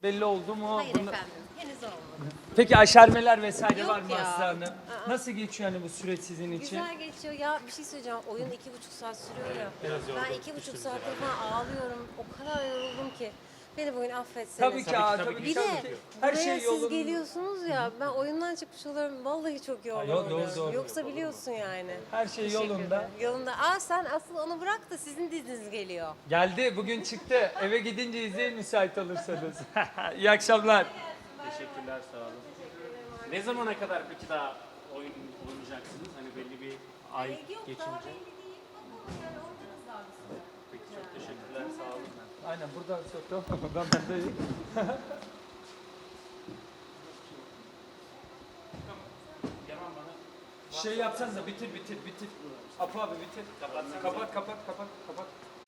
belli oldu mu? Hayır efendim, henüz olmadı. Peki aşermeler vesaire Yok var mı ya. Aslı Hanım? Aa. Nasıl geçiyor hani bu süreç sizin için? Güzel geçiyor. Ya bir şey söyleyeceğim. Oyun 2,5 saat sürüyor ya. Ben 2,5 saattir falan ağlıyorum. O kadar yoruldum ki. Beni bugün affetseniz. Tabii ki, tabii ki. Bir tabii de ki. Her buraya şey siz yolunda. geliyorsunuz ya, ben oyundan çıkmış oluyorum. Vallahi çok yorgun Yo, doğru, oluyorum. doğru. Yoksa biliyorsun yani. Her şey Teşekkür yolunda. ederim. Yolunda. Aa sen asıl onu bırak da sizin diziniz geliyor. Geldi, bugün çıktı. Eve gidince izleyin müsait olursanız. İyi akşamlar. Teşekkürler, sağ olun. Ne zamana kadar peki daha oynayacaksınız? Hani belli bir ay Yok daha geçince. belli değil. Bakalım yani oynarız daha bir süre. Peki çok teşekkürler, sağ olun. Aynen buradan soktum. Ben bendeyim. Yaman bana Şey yapsanıza bitir. Apo abi bitir. Kapat.